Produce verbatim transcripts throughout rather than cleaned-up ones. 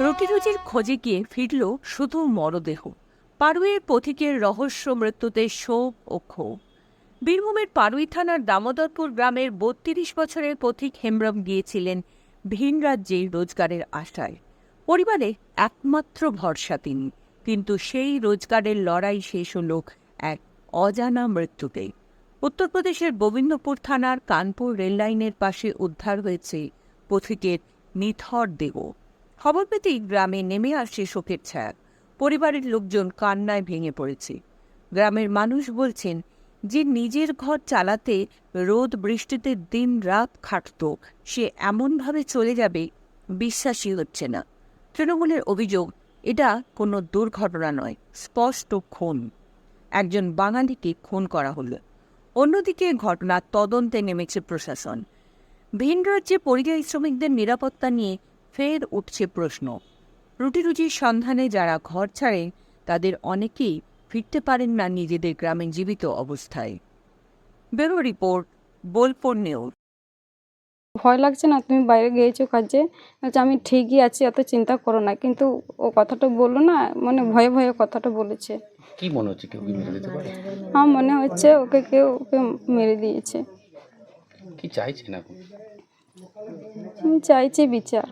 রুটি রুজির খোঁজে গিয়ে ফিরল শুধু মরদেহ। পাড়ুইয়ের পথিকের রহস্য মৃত্যুতে শোক ও ক্ষোভ। বীরভূমের পাড়ুই থানার দামোদরপুর গ্রামের বত্রিশ বছরের পথিক হেমব্রম গিয়েছিলেন ভিন রাজ্যে রোজগারের আশায়। পরিবারে একমাত্র ভরসা তিনি, কিন্তু সেই রোজগারের লড়াই শেষ হল এক অজানা মৃত্যুতে। উত্তরপ্রদেশের গোবিন্দপুর থানার কানপুর রেললাইনের পাশে উদ্ধার হয়েছে পথিকের নিথর দেহ। খবর পেতেই গ্রামে নেমে আসে শোকের ছায়া। পরিবারের লোকজন কান্নায় ভেঙে পড়েছে। গ্রামের মানুষ বলছেন, যে নিজের ঘর চালাতে রোদ বৃষ্টিতে দিন রাত খাটত, সে এমনভাবে চলে যাবে বিশ্বাসই হচ্ছে না। তৃণমূলের অভিযোগ, এটা কোনো দুর্ঘটনা নয়, স্পষ্ট খুন। একজন বাঙালিকে খুন করা হলো। অন্যদিকে ঘটনার তদন্তে নেমেছে প্রশাসন। ভিন রাজ্যে পরিযায়ী শ্রমিকদের নিরাপত্তা নিয়ে ফের উঠছে প্রশ্ন। রুটি রুজির সন্ধানে যারা ঘর ছাড়েন, তাদের অনেকেই ফিরতে পারেন না নিজেদের গ্রামে জীবিত অবস্থায়। Bureau report, Bolpur news. ভয় লাগছে না? তুমি বাইরে গিয়েছো কাজে, বলছে আমি ঠিকই আছি, এত চিন্তা করো না। কিন্তু ও কথাটা বললো না, মানে ভয়ে ভয়ে কথাটা বলেছে। কি মনে হচ্ছে, কেউ কি মেরে দিতে পারে? আমার মনে হচ্ছে ওকে কেউ ওকে মেরে দিয়েছে। কি চাইছেন এখন? আমি চাইছি বিচার।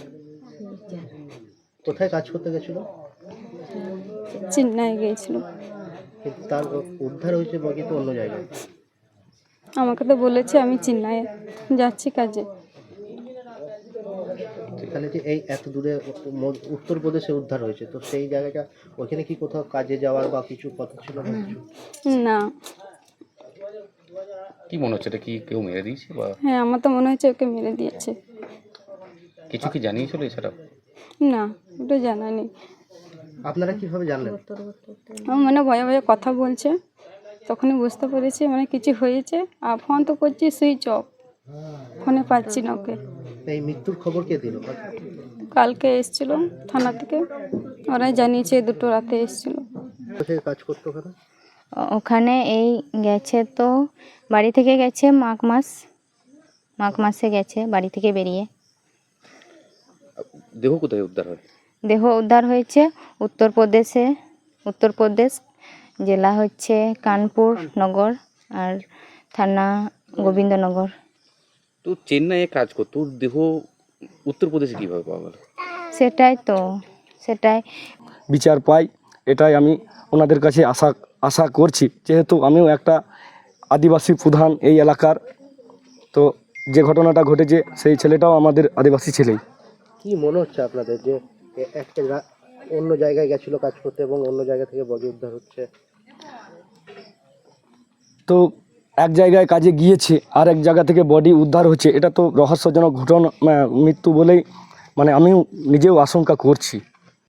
কোথায় কাজ করতে গেছিল? চেন্নাই গিয়েছিল। কিন্তু তার উদ্ধার হয়েছে বাকি তো অন্য জায়গায়। আমাকে তো বলেছে আমি চেন্নাই যাচ্ছি কাজে। সেখানে যে এই এত দূরে উত্তরপ্রদেশে উদ্ধার হয়েছে, তো সেই জায়গাটা ওখানে কি কোথাও কাজে যাওয়ার বা কিছু কথা ছিল না? না। কি মনে হচ্ছে, এটা কি কেউ মেরে দিয়েছে বা? হ্যাঁ, আমার তো মনে হচ্ছে ওকে মেরে দিয়েছে। কিছু কি জানিয়েছিল এছাড়া? না, ওটা জানা নেই। আপনারা কিভাবে জানলেন? আমার মনে ভয়ে ভয়ে কথা বলছে, তখনই বুঝতে পেরেছি মানে কিছু হয়েছে। আর ফোন তো করছি সুইচ অফ, ফোনে পাচ্ছি না ওকে। এই মৃত্যুর খবর কে দিল? কালকে এসেছিল থানা থেকে, ওরাই জানিয়েছে দুটো রাতে এসেছিল। কোথায় কাজ করতো ওখানে? ওখানে এই গেছে তো বাড়ি থেকে গেছে মাঘ মাস মাঘ মাসে গেছে বাড়ি থেকে বেরিয়ে। দেহ কোথায় উদ্ধার হয়? দেহ উদ্ধার হয়েছে উত্তরপ্রদেশে। উত্তরপ্রদেশ জেলা হচ্ছে কানপুর নগর আর থানা গোবিন্দনগর। তো চেন্নাইয়ে কাজ করতো, দেহ উত্তরপ্রদেশে কিভাবে পাওয়া গেল? সেটাই তো, সেটাই বিচার পাই, এটাই আমি ওনাদের কাছে আশা আশা করছি। যেহেতু আমিও একটা আদিবাসী প্রধান এই এলাকার, তো যে ঘটনাটা ঘটেছে সেই ছেলেটাও আমাদের আদিবাসী ছেলেই। কি মনে হচ্ছে আপনাদের যে একটা অন্য জায়গায় গেছিল কাজ করতে এবং অন্য জায়গা থেকে বডি উদ্ধার হচ্ছে? তো এক জায়গায় কাজে গিয়েছে আর এক জায়গা থেকে বডি উদ্ধার হচ্ছে, এটা তো রহস্যজনক ঘটনা, মৃত্যু বলেই মানে আমিও নিজেও আশঙ্কা করছি।